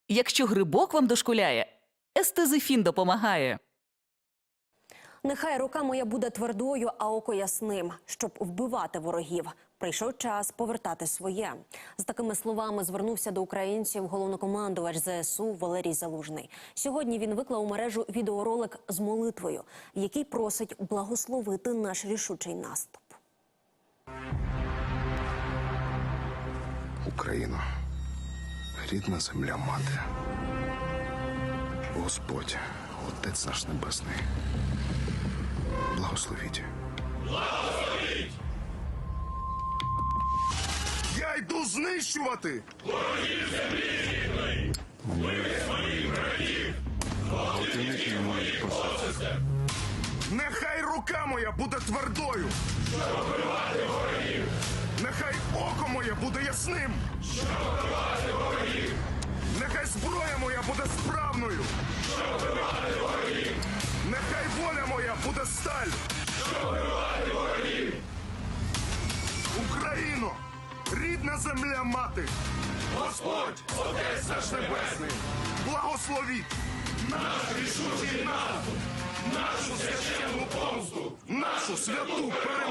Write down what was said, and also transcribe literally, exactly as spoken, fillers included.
Якщо грибок вам дошкуляє, естезифін допомагає. Нехай рука моя буде твердою, а око ясним, щоб вбивати ворогів. Прийшов час повертати своє. З такими словами звернувся до українців головнокомандувач зе ес у Валерій Залужний. Сьогодні він виклав у мережу відеоролик з молитвою, в якій просить благословити наш рішучий наступ. Україно, рідна земля мати, Господь, Отець наш Небесний, благословіть. Благословіть! Я йду знищувати! Ворогів землі рідної! Вивіз моїх братів! Благословіть моїх посадців! Нехай рука моя буде твердою! Щоб вбивати ворогів! Нехай око моє буде ясним! Щоб вбивати ворогів! Нехай зброя моя буде справною! Щоб вбивати ворогів! Нехай воля моя буде сталь! Щоб вбивати ворогів! Україно! Рідна земля мати! Господь, Отець наш Небесний! Благословіть! Наш рішучий наступ! Нашу священну помсту! Нашу святу перемогу!